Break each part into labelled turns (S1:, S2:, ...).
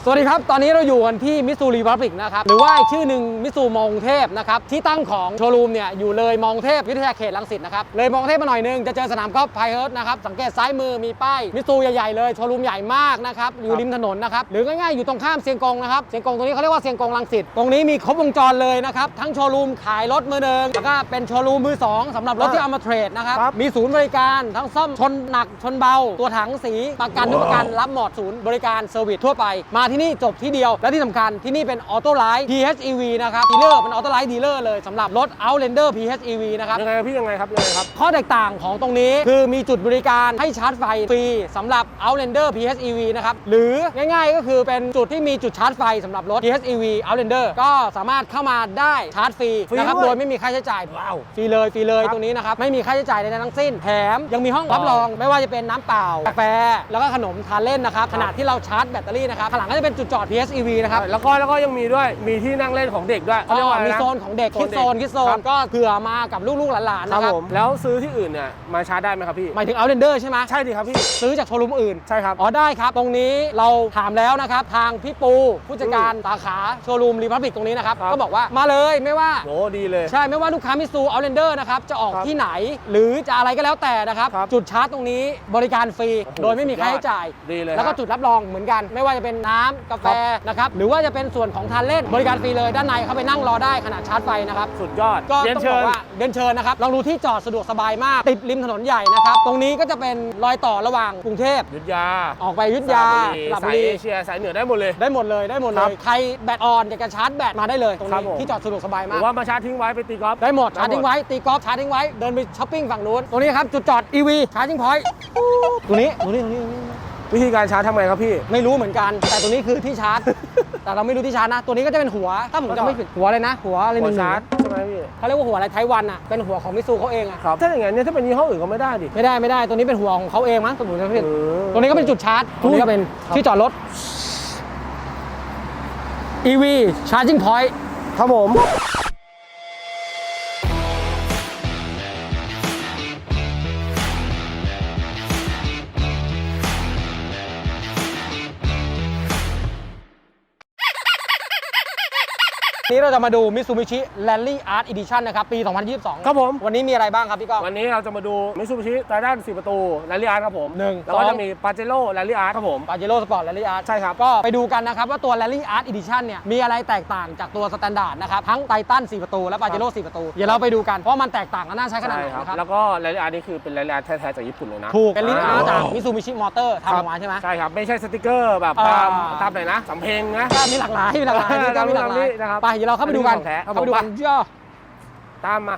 S1: สวัสดีครับตอนนี้เราอยู่กันที่มิตซูรีพับลิกนะครับหรือว่าอีกชื่อหนึ่งมิตซูมองเทพนะครับที่ตั้งของโชว์รูมเนี่ยอยู่เลยมองเทพวิทยาเขตรังสิตนะครับเลยมองเทพมาหน่อยนึงจะเจอสนามกอล์ฟไพเฮิร์ตนะครับสังเกตซ้ายมือมีป้ายมิตซูใหญ่ๆเลยโชว์รูมใหญ่มากนะครับอยู่ริมถนนนะครับหรือง่ายๆอยู่ตรงข้ามเซียงกงนะครับเซียงกงตรงนี้เขาเรียกว่าเซียงกงรังสิตตรงนี้มีครบวงจรเลยนะครับทั้งโชว์รูมขายรถมือหนึ่งแล้วก็เป็นโชว์รูมมือสองสำหรับรถที่เอามาเทรดนะครับมีศูนย์บริการทั้งซ่อมชนหนักชนเบาตัวถังสีประกันทุกประกันรับหมดศูนย์บริการเซอร์วิสทั่วไปมาที่นี่จบที่เดียวและที่สำคัญที่นี่เป็นออโต้ไลท์ PHEV นะครับดีลเลอร์เป็นออโต้ไลท์ดีลเลอร์เลยสำหรับรถ Outlander PHEV นะครับ
S2: ยังไงพี่ยังไงครับ
S1: ข้อแตกต่างของตรงนี้คือมีจุดบริการให้ชาร์จไฟฟรีสำหรับ Outlander PHEV นะครับหรือง่ายๆก็คือเป็นจุดที่มีจุดชาร์จไฟสำหรับรถ PHEV Outlander ก็สามารถเข้ามาได้ชาร์จฟรีนะครับโดยไม่มีค่าใช้จ่ายว้าวฟรีเลยตรงนี้นะครับไม่มีค่าใช้จ่ายใดๆทั้งสิ้นแถมยังมีห้องรับรองไม่ว่าจะเป็นน้ำเปล่ากาแฟแล้วก็ขนมทานเล่นนะครับขณะที่เราชาร์จแบตเตอรี่นะครับข้างหลังก็จะเป็นจุดจอด PHEV นะครับ
S2: แล้วก็ยังมีด้วยมีที่นั่งเล่นของเด็กด้วยเขาเรียกว่า
S1: มีโซนของเด็กคิดโซนก็เผื่อมากับลูกๆหลานๆนะครับ
S2: แล้วซื้อที่อื่นเนี่ยมาชาร์จได้ไหมครับพี่
S1: หมายถึง Outlander ใช่ไหม
S2: ใช่ดิครับพี่
S1: ซื้อจากโชว์รูมอื่น
S2: ใช่ครับ
S1: ได้ครับตรงนี้เราถามแล้วนะครับทางพี่ปูผู้จัดการสาขาโชว์รูมรีพับลิกตรงนี้นะครับก็บอกว่ามาเลยไม่ว่า
S2: โอ้ดีเลย
S1: ใช่ไม่ว่าลูกค้ามิตซู Outlander นะครับจะออกที่ไหนหรือจะอะไรก็แล้วแต่นะครับจุดชาร์จตรงนี้บริการฟรีโดยไม่มีค่าใช้จ่าย
S2: ดีเลย
S1: แล้วก็จุดรับรองเหมือนกันไม่ว่าจะเป็นน้ำกาแฟนะครับหรือว่าจะเป็นส่วนของทานเล่นบริการฟรีเลยด้านในเข้าไปนั่งรอได้ขณะชาร์จไฟนะครับ
S2: สุดยอด
S1: ก็ต้องบอกว่าเดินเชิญนะครับลองดูที่จอดสะดวกสบายมากติดริมถนนใหญ่นะครับตรงนี้ก็จะเป็นรอยต่อระหว่างกรุงเทพ
S2: อยุธยา
S1: ออกไปอยุธยา
S2: สายเอเชียสายเหนือได้หมดเลย
S1: ใครแบตออนอยากจะชาร์จแบตมาได้เลยตรงนี้ที่จอดสะดวกสบายมาก
S2: หรือว่ามาชาร์จทิ้งไว้ไปตีกอล์ฟ
S1: ได้หมดชาร์จทิ้งไว้ตีกอล์ฟชาร์จทิ้งไว้เดินไปช้อปปิ้งฝั่งนู้นตรงนี้ครับจุดจอด EV ชาร์จทิ้งพอยต์ตรงนี้
S2: วิธีการชาร์จทำไงครับพี่
S1: ไม่รู้เหมือนกันแต่ตรงนี้คือที่ชาร์จแต่เราไม่รู้ที่ชาร์จนะตัวนี้ก็จะเป็นหัวถ้าผมจะไม่ผิดหัวเลยนะหัวอะไรหนึ่ง
S2: ชาร์จใช่ไหมพี่
S1: เขาเรียกว่าหัวอะไรไทวันอ่ะเป็นหัวของมิตซูเขาเองอ่ะ
S2: ครับถ้าอย่างนั้นเนี่ยถ้าเป็นยี่ห้ออื่นก็ไม่ได้ดิ
S1: ไม่ได้ตัวนี้เป็นหัวของเขาเองมั้งสมมติจะผิดตรงนี้ก็เป็นจุดชาร์จตรงนี้ก็เป็นที่จอดรถ EV Charging Point
S2: ครับผม
S1: นี้เราจะมาดู Mitsubishi Rally Art Edition นะครับปี 2022
S2: ครับผม
S1: วันนี้มีอะไรบ้างครับพี่ก้อง
S2: วันนี้เราจะมาดู Mitsubishi Triton 4 ประตู Rally Art ครับผม
S1: 1
S2: แล้วก็จะมี Pajero Rally Art ครับผม
S1: Pajero Sport Rally Art
S2: ใช่ครับ
S1: ก็ไปดูกันนะครับว่าตัว Rally Art Edition เนี่ยมีอะไรแตกต่างจากตัว Standard นะครับทั้ง Titan 4 ประตูและ Pajero 4 ประตูเดี๋ยวเราไปดูกันเพราะมันแตกต่างกันน่าใช้ขนาดไหนนะครับ
S2: แล้วก็ Rally Art นี่คือเป็น Rally Art แท้ๆจากญี่ปุ่นเลยนะ
S1: ถูกเป็น Rally Art จาก Mitsubishi Motor ทำออกมาใช่ไหม
S2: ใช่ครับไม่ใช่สติกเกอร์แบบตามไหนนะสำเพ็งนะ
S1: มีหลากหลาย
S2: นะครับ
S1: ไปเดี๋ยวเราเข้าไปดูกัน
S2: ตามมา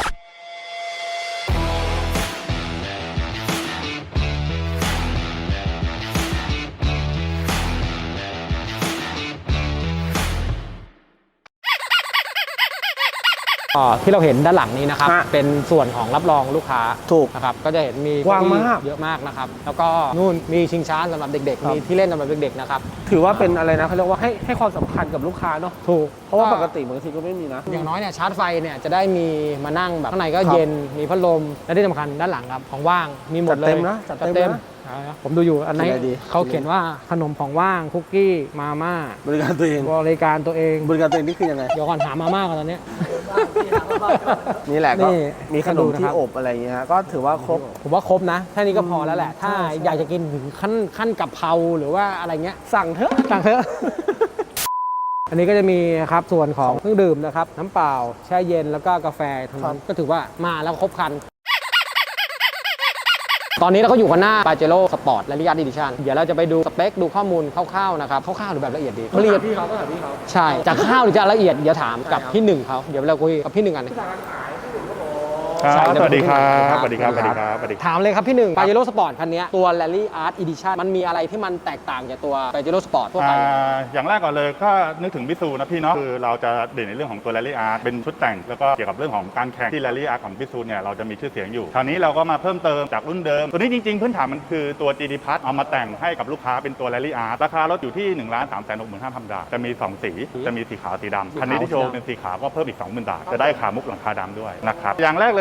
S1: ที่เราเห็นด้านหลังนี้นะครับเป็นส่วนของรับรองลูกค้า
S2: ถูก
S1: นะครับก็จะเห็นมี
S2: กว้างมาก
S1: เยอะมากนะครับแล้วก็นู่นมีชิงช้าสำหรับเด็กๆมีที่เล่นสำหรับเด็กๆนะครับ
S2: ถือว่าเป็นอะไรนะเขาเรียกว่าให้ความสำคัญกับลูกค้าเนาะ
S1: ถูก
S2: เพราะว่าปกติบางทีก็ไม่มีนะ
S1: อย่างน้อยเนี่ยชาร์จไฟเนี่ยจะได้มีมานั่งแบบข้างในก็เย็นมีพัดลมและที่สำคัญด้านหลังครับของว่างมีหมดเลย
S2: จัดเต็ม
S1: ผมดูอยู่อันไหนเขาเขียนว่าขนมของว่างคุกกี้มาม่า
S2: บริการตัวเองนี่คือยังไง
S1: เดี๋ยวก่อนหามาม่าก่อนตอนนี้
S2: นี่แหละก็มีขนมที่อบอะไรอย่างเงี้ยก็ถือว่าครบ
S1: ผมว่าครบนะแค่นี้ก็พอแล้วแหละถ้าอยากจะกินถึงขั้นกับเพราหรือว่าอะไรเงี้ย
S2: สั่งเถอะ
S1: อันนี้ก็จะมีครับส่วนของเครื่องดื่มนะครับน้ำเปล่าแช่เย็นแล้วก็กาแฟทั้งนั้นก็ถือว่ามาแล้วครบครันตอนนี้เราก็อยู่กันหน้า Pajero Sport Rally Art Edition เดี๋ยวเราจะไปดูสเปคดูข้อมูลคร่าวๆนะครับคร่าวๆหรือแบบละเอียดดี
S2: ละเอียดพี่เขา
S1: ใช่จะคร่าวหรือจะละเอียดเดี๋ยวถามกับพี่หนึ่งเขาเดี๋ยวเราคุยกับพี่หนึ่งกัน
S3: สวัสดีครับ
S1: ถามเลยครับพี่หนึ่ง Pajero Sport คันนี้ตัว Rally Art Edition มันมีอะไรที่มันแตกต่างจากตัว Pajero Sport ทั่วไป
S3: อย่างแรกก่อนเลยก็นึกถึงมิตซูนะพี่เนาะคือเราจะเด่นในเรื่องของตัว Rally Art เป็นชุดแต่งแล้วก็เกี่ยวกับเรื่องของการแข่งที่ Rally Art ของมิตซูเนี่ยเราจะมีชื่อเสียงอยู่คราวนี้เราก็มาเพิ่มเติมจากรุ่นเดิมตัวนี้จริงๆพื้นฐานมันคือตัว GT Plus เอามาแต่งให้กับลูกค้าเป็นตัว Rally Art ราคารถอยู่ที่ 1,365,000 บาทจะมี2สีจะมีสีขาวสีดำคันนี้ที่โชว์เป็นสีขาวก็เพิ่มอีก 20,000 บาทจะได้ขามุกหลังคาดำด้วยนะครับอย่างแรกเลย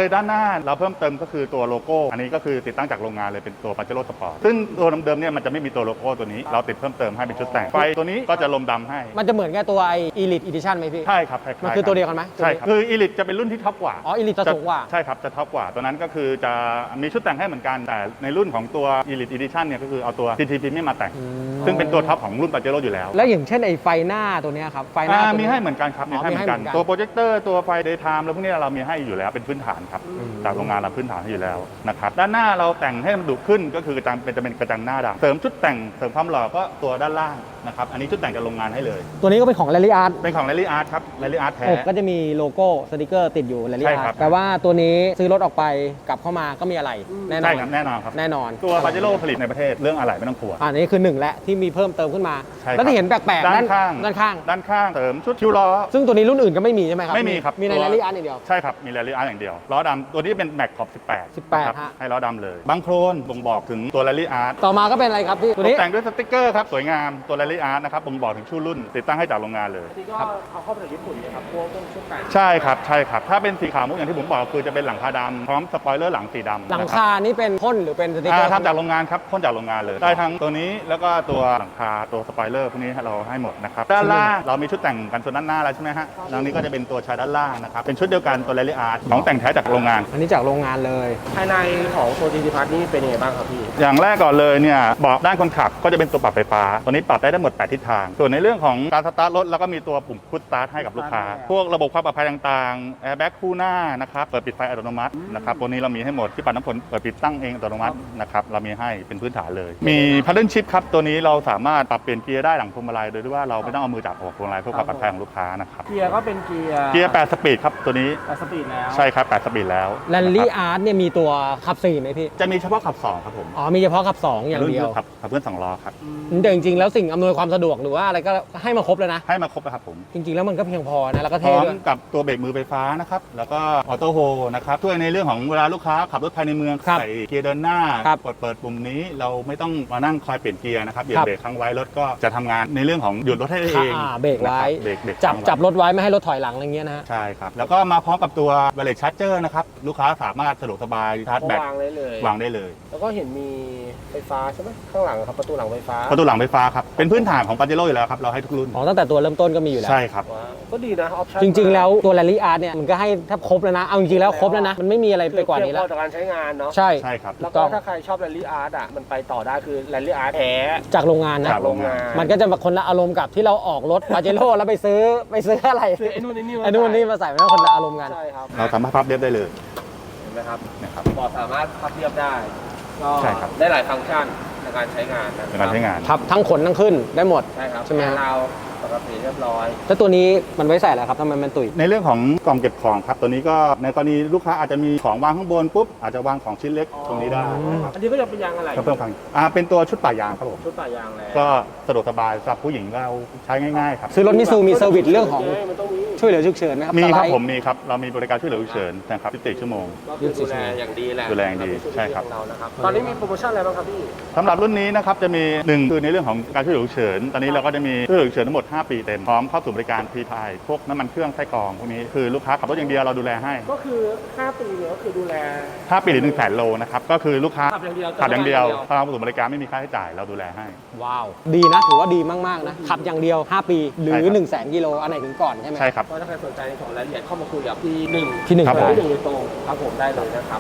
S3: เลยด้านหน้าเราเพิ่มเติมก็คือตัวโลโก้อันนี้ก็คือติดตั้งจากโรงงานเลยเป็นตัว Pajero Sport ซึ่งตัวเดิมๆเนี่ยมันจะไม่มีตัวโลโก้ตัวนี้เราติดเพิ่มเติมให้เป็นชุดแต่งไฟตัวนี้ก็จะลมดำให้
S1: มันจะเหมือนกับตัวไอ Elite Edition ไหมพี่
S3: ใช่ครับคล้ายๆ
S1: มันคือตัวเดียวกันไหม
S3: ใช่ครับคือ Elite จะเป็นรุ่นที่ท็อปกว่า
S1: อ๋อ Elite จะสูงกว่า
S3: ใช่ครับจะท็อปกว่าตัวนั้นก็คือจะมีชุดแต่งให้เหมือนกันแต่ในรุ่นของตัว Elite Edition เนี่ยก็คือเอาตัว TT Premium มาแต่งซึ่งเป็นตัวท็อปของรุ่น Pajero อยู่แล้ว
S1: แล้วอย่างเช่นไอไฟหน้าตัวเนี้ยครับไฟหน้าตัว
S3: มี
S1: นี้
S3: ให้เหมือนกันครับ
S1: อ๋อ
S3: มีให้เหมือนกัน
S1: มีให้เหมือนกัน
S3: ตัวโปรเจคเตอร์ตัวไฟ Daytime แล้วพวกนี้เรามีให้อยู่แล้วเป็นพื้นฐานครับจากโรงงานเราพื้นฐานให้อยู่แล้วนะครับด้านหน้าเราแต่งให้มันดุขึ้นก็คือจะเป็นกระจังหน้าดำเสริมชุดแต่งเสริมความหล่อก็ตัวด้านล่างนะครับอันนี้ชุดแต่งจากโรงงานให้เลย
S1: ตัวนี้ก็เป็นของ Rally Art
S3: เป็นของ Rally Art ครับ Rally Art แท้
S1: อกก็จะมีโลโก้สติกเกอร์ติดอยู่ Rally
S3: ใช่ครั
S1: Art
S3: บ
S1: แปลว่าตัวนี้ซื้อรถออกไปกลับเข้ามาก็มีอะไรแน่นอ
S3: ใช่
S1: น
S3: ครับแน่นอนครับ
S1: แน่นอน
S3: ตัว Pajero ผลิตในประเทศเรื่องอะไรไม่ต้องกลัว
S1: อันนี้คือหนึ่งและที่มีเพิ่มเติมขึ้นมา
S3: ใช่ครับ
S1: แล้วที่เห็นแปลกๆ
S3: ด้านข้าง
S1: ด้านข้าง
S3: ด้านข้างเสริมชุดคิวล้อ
S1: ซึ่งตัวนี้รุ่นอื่นก็ไม่มีใช่ไหมครับ
S3: ไม่มีครับ
S1: มีใน
S3: ตัว
S1: Rally Art อย่างเดียว
S3: ใช่ครับมี Rally Art อย่างเดียวล้อดำตัวนี้เป็นแม็กขอบ18ครับ
S1: ฮะ
S3: ให้ล้อดำเลยบางโครนบ่งบอกถึงตัว Rally Art
S1: ต่อมาก็เป็นอะไรครับพี่ตัว
S3: ต
S1: นี้
S3: กแต่งด้วยสติกเกอร์ครับสวยงามตัว Rally Art นะครับบ่งบอกถึงชื่อรุ่นติดตั้งให้จากโรงงานเลย
S2: นี่ก็เอาเข้ามาจากญี่ปุ่นนะครับพวกชุดแต่ง
S3: ใช่ครับใช่ครับถ้าเป็นสีขาวมุกอย่างที่ผมบอกคือจะเป็นหลังคาดำพร้อมสปอยเลอร์หลังสีดำ
S1: หลัง
S3: นะครับ
S1: คานี่เป็นพ่นหรือเป็นสติกเกอร์
S3: ทำจากโรงงานครับพ่นจากโรงงานเลย ได้ทั้งตัวนี้แล้วก็ตัวหลังคาตัวสปอยเลอร์พวกนี้เราให้หมดนะครับด้านล่างเรามีชุดแต่งกันส่วนด้านหน้าแล้วใช่ไหมฮะแล้วนี้ก็จะเป็นตัวชายด้านล่างนะครับเป็นชุดเดียวกันตัว Rally Art ของแต่งแท้จากโรงงาน
S1: อันนี้จากโรงงานเลย
S2: ภายในของตัว GT Plus นี่เป็นยังไงบ้างครับพี่
S3: อย่างแรกก่อนเลยเนี่ยเบาะด้านคนขับก็จะเป็นตัวปรับไฟฟ้าตัวนี้ปรับได้ทั้งหมด8ทิศทางส่วนในเรื่องของการสตาร์ทรถแล้วก็มีตัวปุ่มพุชสตาร์ทให้กับลูกค้าพวกระบบความปลอดภัยต่างๆแอร์แบ็กคู่หน้านะครับเปิดปิดไฟอัตโนมัตินะครับตัวนี้เรามีให้หมดที่ปัดน้ำฝนเปิดปิดตั้งเองอัตโนมัตินะครับเรามีให้เป็นพื้นฐานเลยมี Paddle Shift ครับตัวนี้เราสามารถปรับเปลี่ยนเกียร์ได้หลังพวงมาลัยโดยที่ว่าเราไม่ต้องเอามือจับออกพวงมาลัยเพื่อความปลอดภัยของลูกค้านะครับ
S2: เกียร์ก็เป็นเกียร์
S3: เกียร์8สปีดครับตัวนี้
S2: สปีดแล้ว
S3: ใช่ครับ8สปีดแล้ว
S1: Rally
S3: นะครับ
S1: Art เนี่ยมีตัวขับ4ไหมพี่
S3: จะมีเฉพาะขับ2ครับผม
S1: อ๋อมีเฉพาะขับ2อย่างเดียว
S3: รุ่นขับเพื่อน2ล้อครับ
S1: แต่จริงๆแล้วสิ่งอำนวยความสะดวกหรือว่าอะไรก็ให้มาครบเลยนะ
S3: ให้มาครบนะครับผม
S1: จริงๆแล้วมันก็เพียงพอนะแล้วก็
S3: พ
S1: เท่
S3: ร้อม
S1: ด้วย
S3: กับตัวเบรกมือไฟฟ้านะครับ แล้วก็ออโต้โฮนะครับช่วยในเรื่องของเวลาลูกค้าขับรถภายในเมือง
S1: ครับ
S3: ใส่เกียร์เดินหน้า
S1: ครับ
S3: เปิดปุ่มนี้เราไม่ต้องมานั่งคอยเปลี่ยนเกียร์นะครับเหยีย
S1: ครับ บ
S3: เบรกค้างไว้รถก็จะทำงานในเรื่องของหยุดรถให้ได้เอง
S1: เบรกไว้
S3: นะครับเบรก
S1: จับ
S3: ค้างไว้
S1: จับรถไว้ไม่ให้รถถอยหลังอะไรเงี้ยนะฮะ
S3: ใช่ครับ แล้วก็มาพร้อมกับตัวไวเลสชาร์จเจอร์นะครับลูกค้าสามารถสะดวกสบายชาร์จแบต
S2: วางได้เลย
S3: วางได้เลย
S2: แล้วก็เห็นมีไฟฟ้าใช่ไหมข้างหลังครับประตูหลังไฟฟ้า
S3: ประตูหลังไฟฟ้าครับเป็นพื้นฐานของปาเจโร่อยู่แล้วครับเราให้ทุกรุ่น
S1: อ๋อตั้งแต่ตัวเริ่มต้นก็มีอยู่แล้ว
S3: ใช่ครับ
S2: ว้าวก็ดีนะออปชั่น
S1: จริงๆแล้วตัว Rally Art เนี่ยมันก็ให้แทบครบแล้วนะเอาจริงๆแล้วครบแล้วนะมันไม่มีอะไรไปกว่านี้
S2: เพียง
S1: แล้
S2: พ
S1: ว
S2: อต่อการใช้งานเนาะ
S1: ใช่
S3: ใช่ครับ
S2: แล้ว
S1: ถูกต้
S2: ก็
S1: อง
S2: ถ้าใครชอบ Rally Art อ่ะมันไปต่อได้คือ Rally Art แท้
S1: จากโรงงานนะ
S3: จากโรงงาน
S1: มันก็จะแบบคนละอารมณ์กับที่เราออกรถปาเจโร่แล้วไปซื้ออะไร
S2: คือไอ้นู่นไอ้นี่
S1: ไอ้นู่นนี่มาใส่ไม่ต้องคนละอารมณ์กัน
S2: ใช่ครับ
S3: เราสามารถพับเรียบได้เลย
S2: เห็นไหมครับ
S3: นะครับ
S2: บอร์ดสามารถพับเรียบได้ก็
S3: ใช่ครับ
S2: ได้หลายฟังก์ชันในการใช้งานนะค
S3: ใน
S2: รับ
S3: การใช้งาน
S1: พับทั้งขนทั้งขึ้นได้หมด
S2: ใช่ครับ
S1: ใช่ไหมฮะ
S2: เราปกติเรียบร้อย
S1: แล้วตัวนี้มันไว้ใส่อะไรครับทำไมมันตุ๋ย
S3: ในเรื่องของกล่องเก็บของครับตัวนี้ก็ในกรณีลูกค้าอาจจะมีของวางข้างบนปุ๊บอาจจะวางของชิ้นเล็กตรงนี้ได้นะครับ
S2: อันนี้ก็จะเป็นยางอะไร
S3: ก็เพิ่มฟังเป็นตัวชุดป่ายางครับผม
S2: ชุดป่ายางแล้ว
S3: ก็สะดวกสบายสำหรับผู้หญิงเราใช้ง่ายๆครับ
S1: ซื้อรถมิซูมีเซอร์วิสเรื่องของ
S2: มันต้องมี
S1: ช่วยเหลือฉุกเฉินไหมครับ
S3: มีครับ
S1: สไลด์
S3: ผมมีครับเรามีบริการช่วยเหลือฉุกเฉินนะครับ24ชั่วโมง
S2: ก็คือดูแลอย่างดีแหละ
S3: ดูแลอย่างดีใช่ครับ
S2: ของเรานะครับตอนนี้มีโปรโมชั่นอะไรบ้างครับพี่
S3: สำหรับรุ่นนี้นะครับจะมี1คือในเรื่องของการช่วยเหลือฉุกเฉินตอนนี้เราก็จะมีช่วยเหลือฉุกเฉินทั้งหมด5 ปีเต็มพร้อมเข้าสู่บริการ PPI พวกน้ำมันเครื่องไส้กรองพวกนี้คือลูกค้าขับรถอย่างเดียวเราดูแลให้
S2: ก็คือ 5 ปีเนี่ยก็คือดูแล
S3: 5 ปีหรือ100,000 โลนะครับก็คือลูกค้า
S2: ขับอย่างเดียว
S3: ขับอย่างเดียวพอเราเข้าสู่บริการไม่มีค่าใช้จ่ายเราดูแลให้
S1: ว้าว ดีนะถือว่าดีมากๆนะขับอย่างเดียว 5 ปีหรือ
S3: ใช่ครับ
S1: 1 0 0 0 0 0กิโลอันไหนถึงก่อนใช่ไหม
S3: ใช่ครับ
S2: ก็ถ้าใครสนใจในของรายละเอียดเข้ามาคุยกับพี่หนึ่ง
S1: พี่หนึ่ง
S3: ครับผม
S2: พี่หนึ่งโดยตรงครับผมได้เลยนะครับ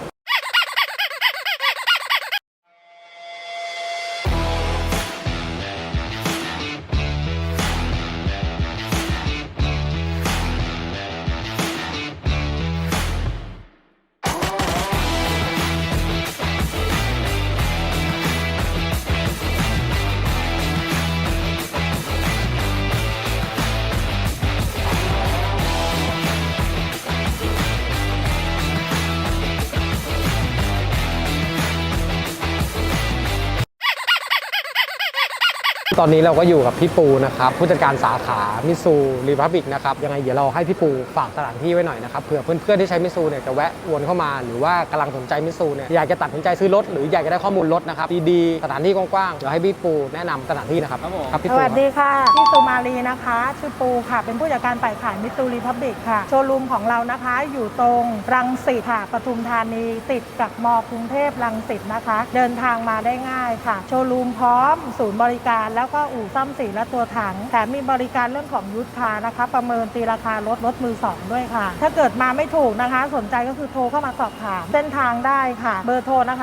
S1: ตอนนี้เราก็อยู่กับพี่ปูนะครับผู้จัดการสาขามิซูรีพับบิกนะครับยังไงเดี๋ยวเราให้พี่ปูฝากสถานที่ไว้หน่อยนะครับเผื่อเพื่อนๆที่ใช้มิซูเนี่ยจะแวะวนเข้ามาหรือว่ากำลังสนใจมิซูเนี่ยอยากจะตัดสินใจซื้อรถหรืออยากจะได้ข้อมูลรถนะครับดีๆสถานที่กว้างๆเดี๋ยวให้พี่ปูแนะนำสถานที่นะครับครับพี่
S4: ส
S1: ปู
S4: วัสดีค่ะพี่สุมาลีนะคะชื่อปูค่ะเป็นผู้จัดการฝ่ายขายมิตซูรีพับบิกค่ะโชว์รูมของเรานะคะอยู่ตรงรังสิตค่ะปทุมธานีติดกับมกรุงเทพรังสิตนะคะเดินทางมาได้ง่ายค่ะโชว์รูมพร้อมศูนย์บริการแล้วก็อู่ซ่อมสีและตัวถังแถมมีบริการเรื่องของยุทธคานะคะประเมินตีราคารถมือสองด้วยค่ะถ้าเกิดมาไม่ถูกนะคะสนใจก็คือโทรเข้ามาสอบถามเส้นทางได้ค่ะเบอร์โทรนะคะ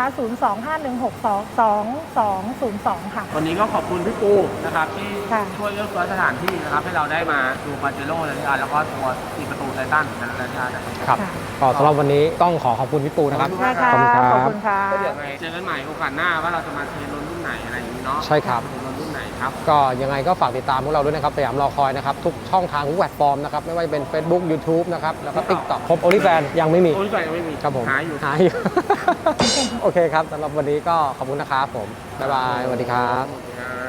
S4: 025162202 ค่ะ
S2: วันนี้ก็ขอบคุณพี่ปูนะครับที่
S4: ค่ะ
S2: ช่วยเลือกซื้อสถานที่นะครับให้เราได้มาดูปาเจโร่เลยแล้วก็ตัว4ประตูไททันนะครับ
S1: ครับก็สำหรับวันนี้ต้องขอบคุณพี่ปูนะครับ
S4: ได้ค่ะ
S1: ขอบคุณค
S4: ข
S1: รั
S4: อบบ คุณค่ะ
S2: ก็เดี๋ยวไงเจอกันใหม่โอกาสหน้าว่าเราจะมาเทรนรถรุ่นไหนอะไรอย่างนี้เนาะ
S1: ใช่ครับ
S2: เทรนรถรุ่นไหนครับ
S1: ก็ยังไงก็ฝากติดตามพวกเราด้วยนะครับสยามรอคอยนะครับทุกช่องทางทุกแพลตฟอร์มนะครับไม่ว่าจะเป็น Facebook YouTube นะครับแล้วก็ TikTok ครบ OnlyFans ยังไม่มี
S2: โอ้ยก็ยังไม่มี
S1: ครับผม
S2: หาอยู่
S1: โอเคครับสำหรับวันนี้ก็ขอบคุณนะครับผมบ๊ายบายสวัสดีครับ
S2: ครับ